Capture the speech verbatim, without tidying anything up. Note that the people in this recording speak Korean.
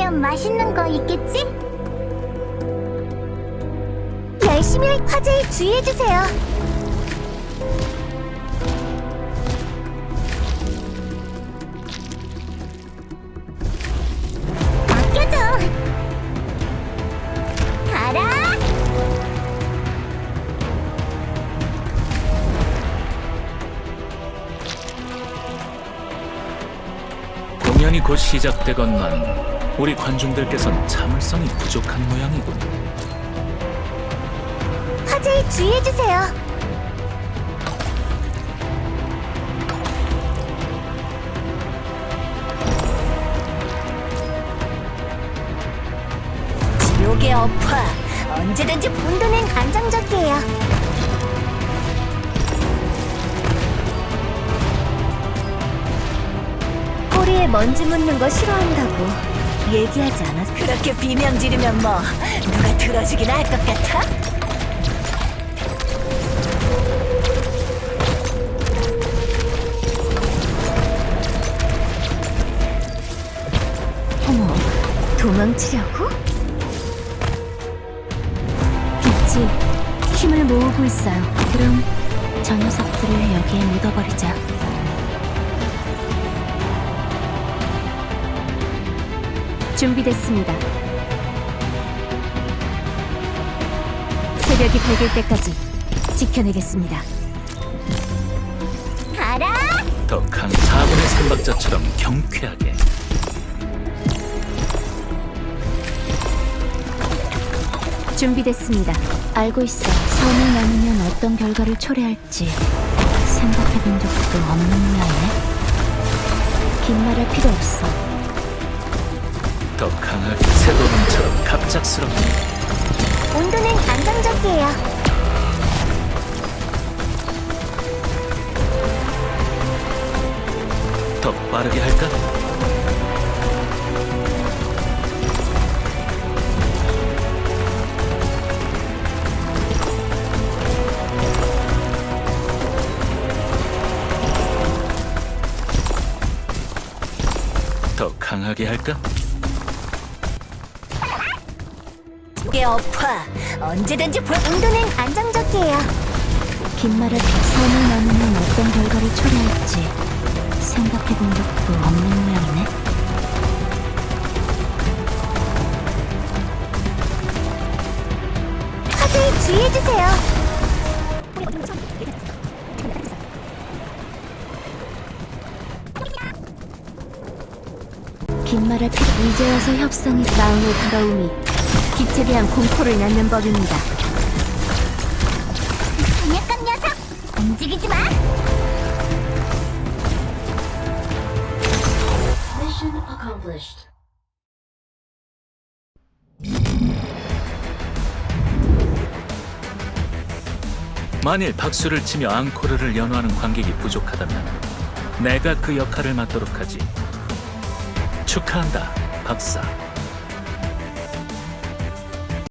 먹으면 맛있는 거 있겠지? 열심히 할 화재에 주의해주세요. 맡겨줘. 가라. 공연이 곧 시작되건만 우리 관중들께선 참을성이 부족한 모양이군. 화재에 주의해주세요. 지옥의 업화, 언제든지 본도는 안정적이에요. 꼬리에 먼지 묻는 거 싫어한다고 얘기하지 않았어? 그렇게 비명 지르면 뭐 누가 들어주긴 할 것 같아? 어머, 도망치려고? 빛이 힘을 모으고 있어요. 그럼 저 녀석들을 여기에 묻어버리자. 준비됐습니다. 새벽이 밝을 때까지 지켜내겠습니다. 가라! 더 강 사분의 삼박자처럼 경쾌하게. 준비됐습니다. 알고 있어. 선을 나누면 어떤 결과를 초래할지 생각해본 적도 없는 모양이네. 긴 말할 필요 없어. 더 강하게 새도름처럼 갑작스럽게. 온도는 안정적이에요. 더 빠르게 할까? 더 강하게 할까? 게 업화, 언제든지 볼. 온도는 안정적이에요. 긴 말을 선을 나누면 어떤 결과를 초래할지 생각해본 적도 없는 모양이네. 화재에 주의해주세요. 긴 말할 필요. 이제 와서 협상이 마음의 더러움이 빛에 대한 공포를 낳는 법입니다. 사냥감 녀석! 움직이지 마! Mission accomplished. 만일 박수를 치며 앙코르를 연호하는 관객이 부족하다면 내가 그 역할을 맡도록 하지. 축하한다, 박사.